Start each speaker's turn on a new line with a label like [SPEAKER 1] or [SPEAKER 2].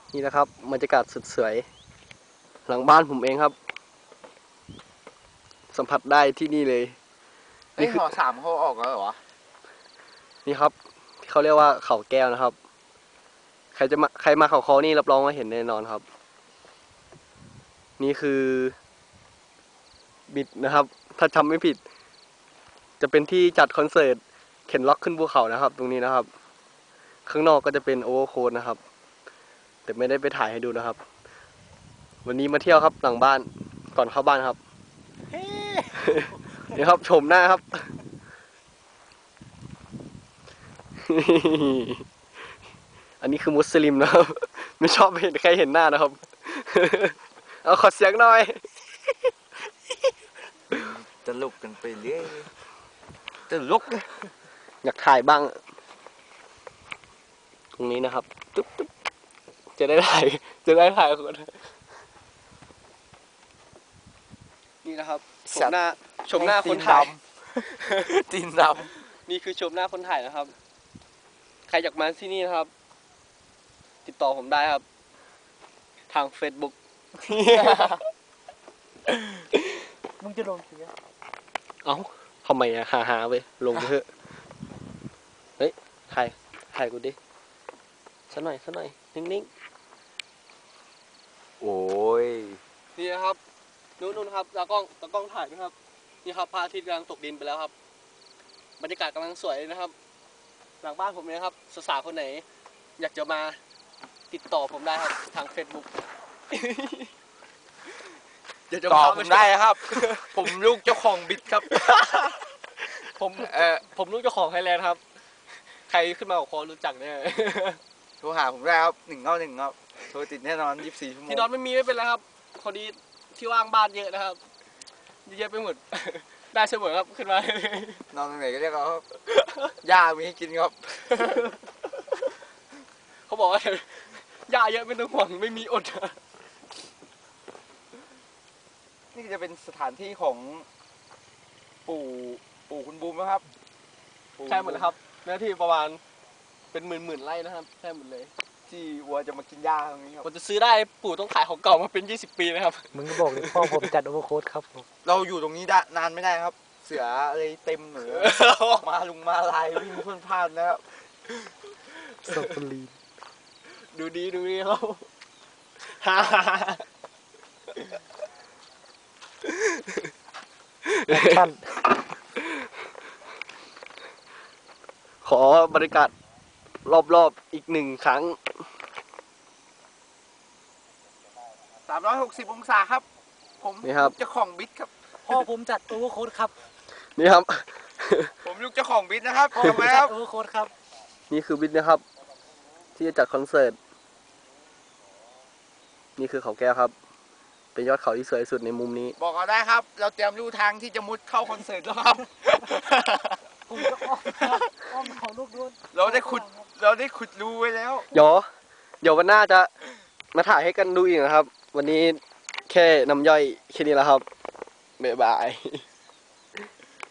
[SPEAKER 1] นี่นะครับบรรยากาศสุดสวยหลังบ้านผมเองครับสัมผัสได้ที่นี่เลย
[SPEAKER 2] นี่คือหอ 3เขาออกแล้วเหรอวะ
[SPEAKER 1] นี่ครับที่เขาเรียกว่าเขาแก้วนะครับใครมาเขาคอนี่รับรองว่าเห็นแน่นอนครับนี่คือบิดนะครับถ้าจำไม่ผิดจะเป็นที่จัดคอนเสิร์ตเข็นล็อกขึ้นภูเขานะครับตรงนี้นะครับข้างนอกก็จะเป็นโอเวอร์โค้ดนะครับแต่ไม่ได้ไปถ่ายให้ดูนะครับวันนี้มาเที่ยวครับหลังบ้านก่อนเข้าบ้านครับ นี่ครับชมหน้าครับ อันนี้คือมุสลิมนะครับ ไม่ชอบเห็นใครเห็นหน้านะครับ เอาขอเสียงหน่อย
[SPEAKER 2] ตลกกันไปเรื่อยตลก
[SPEAKER 1] อยากถ่ายบ้าง ตรงนี้นะครับจุ๊บจะได้ถ่ายคนนี่นะครับชมหน้าคนถ่าย
[SPEAKER 2] ตีนด
[SPEAKER 1] นี่คือชมหน้าคนถ่ายนะครับ ใครอยากมาที่นี่นะครับ ติดต่อผมได้ครับ ทาง Facebook
[SPEAKER 3] มึงจะลงเสีย
[SPEAKER 1] เอ้าทำไมอะหาไปลงไปเถอะ เฮ้ยถ่ายกูดิสักหน่อยนิ่ง
[SPEAKER 2] ำโอ้ย
[SPEAKER 1] ๆนี่นะครับนู่นครับตากล้องถ่ายนะครับนี่ครับพระอาทิตย์กำลังตกดินไปแล้วครับบรรยากาศกำลังสวยเลยนะครับ หลังบ้านผมเลยนะครับสาวๆคนไหน อยากจะมาติดต่อผมได้ครับทาง Facebook
[SPEAKER 2] ต่อผมได้ครับ ผมลูกเจ้าของบิดครับ
[SPEAKER 1] ผมลูกเจ้าของไทยแลนด์ครับ ใครขึ้นมากับคอรู้จักเนี่ย
[SPEAKER 2] โทรหาผมได้ครับ191ครับโทรติดแน่นอน24 ชั่วโมง
[SPEAKER 1] ที่นอนไม่เป็นไรครับพอดีที่ว่างบ้านเยอะนะครับเยอะไปหมด ได้เสมอครับขึ้นมา
[SPEAKER 2] นอนตรงไหนก็เรียกเขาครับหญ้ามีให้กินครับ
[SPEAKER 1] เขาบอกว่าหญ้าเยอะไม่ต้องห่วงไม่มีอด
[SPEAKER 2] นี่จะเป็นสถานที่ของปู่คุณบูมนะครับ
[SPEAKER 1] ใช่หมดเลยครับเนื้อที่ประมาณเป็นหมื่นไร่นะครับใช่หมดเลย
[SPEAKER 2] ที่วัวจะมากินหญ้าตรงนี้ครับ
[SPEAKER 1] ผมจะซื้อได้ปู่ต้องขายของเก่ามาเป็น20 ปีนะครับ
[SPEAKER 3] มึงก็บอกเลยพ่อผมจัดโอเวอร์โค้ดครับผม
[SPEAKER 2] เราอยู่ตรงนี้ได้นานไม่ได้ครับ เสืออะไรเต็มเหนือ มาลายวิ่งพ่นพ่านนะครับ
[SPEAKER 3] สตอรีน
[SPEAKER 1] ดูดีเขา
[SPEAKER 3] แอคชั่น
[SPEAKER 1] ขอบรรยากาศรอบอีกหนึ่งครั้ง
[SPEAKER 2] 360 องศาครับ ผม
[SPEAKER 1] นี่ครับ
[SPEAKER 2] ลูกเจ้าของบิดครับ
[SPEAKER 3] พ่อผมจัดโอเวอร์โค้ดครับ
[SPEAKER 1] นี่ครับ
[SPEAKER 2] ผมลูกเจ้าของบิดนะครับ
[SPEAKER 3] พ่อ
[SPEAKER 2] ทำ
[SPEAKER 3] ผม
[SPEAKER 2] ไมค
[SPEAKER 3] จั
[SPEAKER 2] รั
[SPEAKER 3] ด
[SPEAKER 2] บ
[SPEAKER 3] โอเวอร์โค้ดครับ
[SPEAKER 1] นี่คือบิดนะครับ ที่จะจัดคอนเสิร์ตนี่คือเขาแก้วครับ เป็นยอดเขาที่สวยที่สุดในมุมนี้
[SPEAKER 2] บอกเราได้ครับ เราเตรียมลู่ทางที่จะมุดเข้าคอนเสิร์ตแล้วครับ
[SPEAKER 3] ผมจะอ้อมเขาลูกด้วน
[SPEAKER 2] เราได้ขุดรูไว้แล้ว
[SPEAKER 1] เดี๋ยววันหน้าจะมาถ่ายให้กันดูอีกนะครับ วันนี้แค่น้ำย่อยแค่นี้แล้วครับบ๊ายบาย